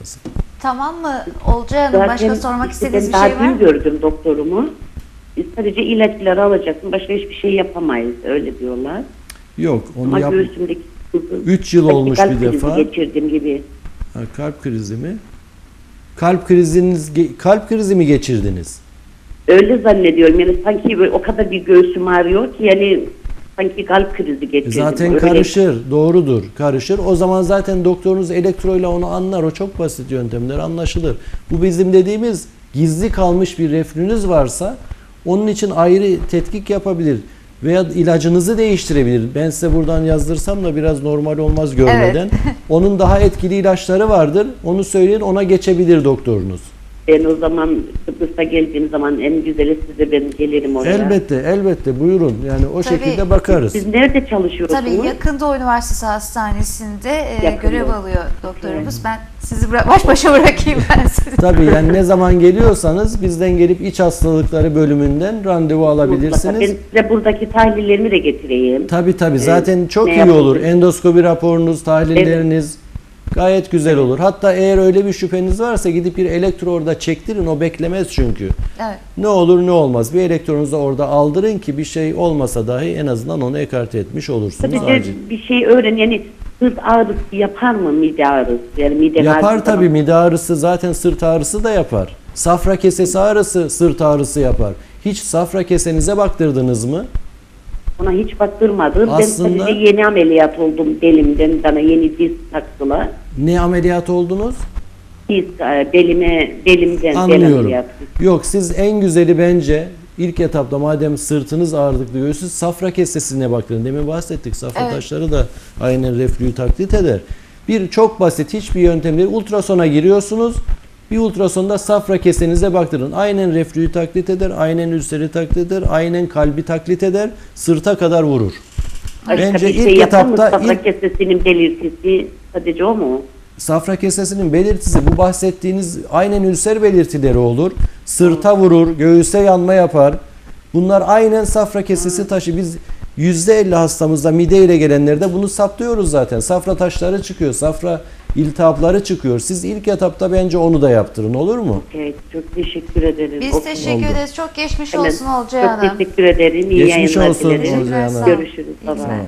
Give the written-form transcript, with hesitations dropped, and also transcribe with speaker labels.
Speaker 1: lazım.
Speaker 2: Tamam mı Olcay Hanım? Başka sormak istediğiniz bir şey var
Speaker 3: Ben daha dün
Speaker 2: mı?
Speaker 3: gördüm doktorumu. Sadece ilaçları alacaksın. Başka hiçbir şey yapamayız. Öyle diyorlar.
Speaker 1: Yok, onu
Speaker 3: Ama
Speaker 1: yap.
Speaker 3: göğsümdeki
Speaker 1: 3 yıl olmuş
Speaker 3: kalp
Speaker 1: bir
Speaker 3: krizi
Speaker 1: defa.
Speaker 3: geçirdim gibi.
Speaker 1: Ha, kalp krizi mi? Kalp krizi mi geçirdiniz?
Speaker 3: Öyle zannediyorum. Yani sanki böyle o kadar bir göğsüm ağrıyor ki yani sanki kalp krizi geçirdim.
Speaker 1: Zaten
Speaker 3: Öyle.
Speaker 1: karışır, doğrudur, karışır. O zaman zaten doktorunuz elektroyla onu anlar. O çok basit yöntemler, anlaşılır. Bu bizim dediğimiz gizli kalmış bir reflünüz varsa onun için ayrı tetkik yapabilir. Veya ilacınızı değiştirebilir. Ben size buradan yazdırsam da biraz normal olmaz görmeden.
Speaker 2: Evet.
Speaker 1: Onun daha etkili ilaçları vardır. Onu söyleyin, ona geçebilir doktorunuz.
Speaker 3: Ben o zaman Kıbrıs'a geldiğim zaman en güzeli size ben gelirim oraya.
Speaker 1: Elbette, elbette. Buyurun. Yani o
Speaker 2: Tabii.
Speaker 1: şekilde bakarız.
Speaker 3: Siz nerede çalışıyorsunuz?
Speaker 2: Tabii yakın Doğu Üniversitesi Hastanesi'nde
Speaker 3: Yakın
Speaker 2: görev
Speaker 3: Doğu.
Speaker 2: alıyor doktorumuz. Ben sizi baş başa bırakayım ben sizi.
Speaker 1: Tabii yani ne zaman geliyorsanız bizden gelip iç hastalıkları bölümünden randevu
Speaker 3: Mutlaka.
Speaker 1: alabilirsiniz.
Speaker 3: Ben size buradaki tahlillerimi de getireyim.
Speaker 1: Tabii zaten çok
Speaker 3: ne
Speaker 1: iyi olur.
Speaker 3: yapılır?
Speaker 1: Endoskopi raporunuz, tahlilleriniz gayet güzel olur. Hatta eğer öyle bir şüpheniz varsa gidip bir elektro orada çektirin. O beklemez çünkü.
Speaker 2: Evet.
Speaker 1: Ne olur ne olmaz. Bir elektronuzu da orada aldırın ki bir şey olmasa dahi en azından onu ekarte etmiş olursunuz.
Speaker 3: Tabii de
Speaker 1: Acil.
Speaker 3: bir şey öğren. Yani sırt ağrısı yapar mı mide ağrısı? Yani mide
Speaker 1: Yapar
Speaker 3: ağrısı
Speaker 1: tabii,
Speaker 3: zaman-
Speaker 1: mide ağrısı zaten sırt ağrısı da yapar. Safra kesesi ağrısı sırt ağrısı yapar. Hiç safra kesenize baktırdınız mı?
Speaker 3: Ona hiç baktırmadım.
Speaker 1: Aslında-
Speaker 3: Ben sadece yeni ameliyat oldum belimden. Bana yeni diz taktılar.
Speaker 1: Ne ameliyat oldunuz?
Speaker 3: Diz belimden bel
Speaker 1: Anlıyorum.
Speaker 3: ameliyatı.
Speaker 1: Yok, siz en güzeli bence ilk etapta madem sırtınız ağırlıklı göğsünüz safra kesesine bakın. Demin bahsettik, safra
Speaker 2: Evet.
Speaker 1: taşları da aynen reflüyü taklit eder. Bir çok basit, hiçbir yöntem değil. Ultrasona giriyorsunuz. Bir ultrasonda safra kesenize baktırın. Aynen reflüyü taklit eder, aynen ülseri taklit eder, aynen kalbi taklit eder, sırta kadar vurur.
Speaker 3: Başka
Speaker 1: Bence
Speaker 3: bir
Speaker 1: ilk
Speaker 3: şey yapar mı?
Speaker 1: etapta
Speaker 3: Safra kesesinin belirtisi sadece o mu?
Speaker 1: safra kesesinin belirtisi bu bahsettiğiniz aynen ülser belirtileri olur. Sırta vurur, göğüse yanma yapar. Bunlar aynen safra kesesi taşı. Biz %50 hastamızda mide ile gelenlerde bunu saptıyoruz zaten. Safra taşları çıkıyor, safra iltihapları çıkıyor. Siz ilk etapta bence onu da yaptırın, olur mu?
Speaker 3: Evet, çok teşekkür ederim.
Speaker 2: Biz
Speaker 3: O-
Speaker 2: teşekkür
Speaker 1: oldu.
Speaker 2: ederiz. Çok geçmiş
Speaker 3: Hemen
Speaker 2: olsun Olcay
Speaker 3: Çok
Speaker 2: Hanım.
Speaker 3: teşekkür ederim. İyi
Speaker 1: Geçmiş
Speaker 3: yayınlar
Speaker 1: olsun
Speaker 3: dilerim.
Speaker 1: Olcay Hanım.
Speaker 3: Görüşürüz.
Speaker 2: İyi
Speaker 3: Bye
Speaker 2: günler.
Speaker 3: bye.